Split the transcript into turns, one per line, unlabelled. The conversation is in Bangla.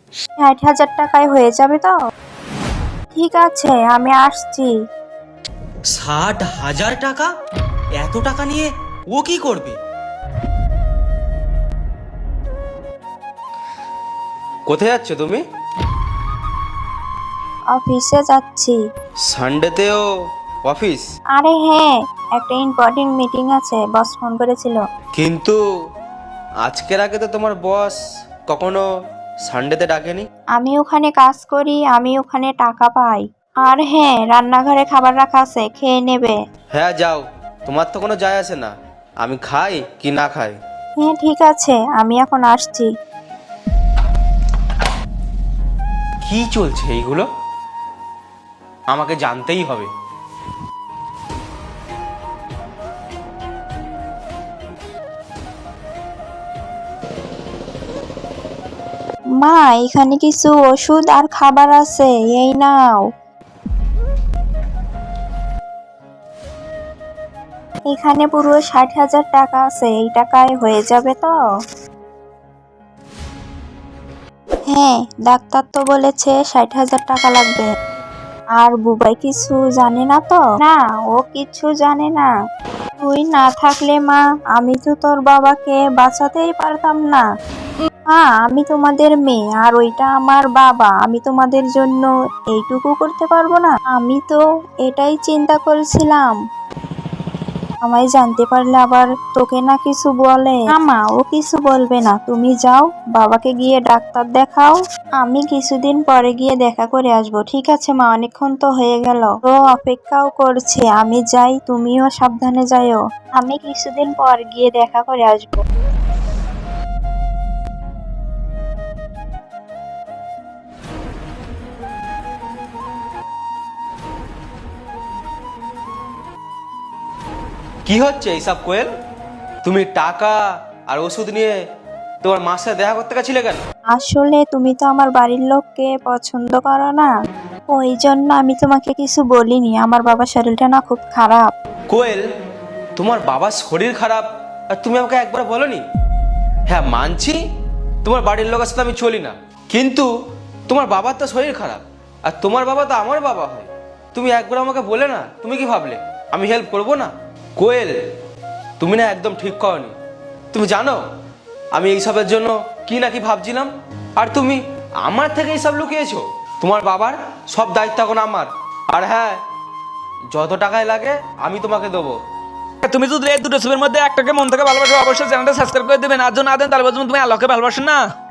60,000 টাকায় হয়ে যাবে তো? ঠিক আছে, আমি আসছি।
60,000 টাকা? এত টাকা নিয়ে ও কি করবে? কোথায় যাচ্ছ তুমি?
অফিসে যাচ্ছি।
সানডেতেও অফিস?
আরে হ্যাঁ, একটা ইম্পর্টেন্ট মিটিং আছে, বস ফোন করেছিল।
কিন্তু আজকের আগে তো তোমার বস কখনো সানডেতে ডাকেনি।
আমি ওখানে কাজ করি, আমি ওখানে টাকা পাই। আর হ্যাঁ, রান্নাঘরে খাবার রাখা আছে, খেয়ে নেবে।
হ্যাঁ যাও, তোমার তো কোনো যায় আসে না আমি খাই কি না খাই।
হ্যাঁ ঠিক আছে, আমি এখন আসছি।
কি চলছে এইগুলো? আমাকে জানতেই হবে।
মা, এখানে কিছু ওষুধ আর খাবার আছে, এই নাও। এখানে পুরো 60,000 টাকা আছে, এই টাকায় হয়ে যাবে তো? হ্যাঁ, ডাক্তার তো বলেছে 60,000 টাকা লাগবে। আর বুবাই কিছু জানে না তো? না, ও কিছু জানে না। তুই না থাকলে মা, আমি তো তোর বাবাকে বাঁচাতেই পারতাম না। মা, আমি তোমাদের মেয়ে আর ওইটা আমার বাবা, আমি তোমাদের জন্য এইটুকু করতে পারবো না? আমি তো এটাই চিন্তা করছিলাম। আমায় জানতে পারলে আবার তোকে না কিছু বলে। না মা, ও কিছু বলবে না, তুমি যাও, বাবাকে গিয়ে ডাক্তার দেখাও। আমি কিছুদিন পরে গিয়ে দেখা করে আসবো। ঠিক আছে মা, অনেকক্ষণ তো হয়ে গেল, ও অপেক্ষাও করছে, আমি যাই, তুমিও সাবধানে যাইও। আমি কিছুদিন পর গিয়ে দেখা করে আসবো।
কি হচ্ছে এইসব কোয়েল? তুমি টাকা আর ওষুধ নিয়ে তোমার মার সাথে দেখা করতে গেছিলে কেন?
আসলে তুমি তো আমার বাড়ির লোককে পছন্দ করো না, ওই জন্য আমি তোমাকে কিছু বলিনি। আমার বাবার শরীরটা না খুব খারাপ।
কোয়েল, তোমার বাবার শরীর খারাপ আর তুমি আমাকে একবার বলোনি? হ্যাঁ মানছি, তোমার বাড়ির লোকের সাথে আমি চলি না, কিন্তু তোমার বাবার তো শরীর খারাপ আর তোমার বাবা তো আমার বাবা হয়। তুমি একবার আমাকে বলে না, তুমি কি ভাবলে আমি হেল্প করবো না? কোয়েল, তুমি না একদম ঠিক করনি। তুমি জানো আমি এইসবের জন্য কি না কি ভাবছিলাম, আর তুমি আমার থেকে এইসব লুকিয়েছো। তোমার বাবার সব দায়িত্ব এখন আমার। আর হ্যাঁ, যত টাকায় লাগে আমি তোমাকে দেবো।
তুমি যদি এই দুটো ছবির মধ্যে একটাকে মন থেকে ভালোবাসো, অবশ্যই চ্যানেলটা সাবস্ক্রাইব করে দেবেন। আর যদি না দেন তাহলে বলবেন তুমি আল্লাহকে ভালোবাসেন না।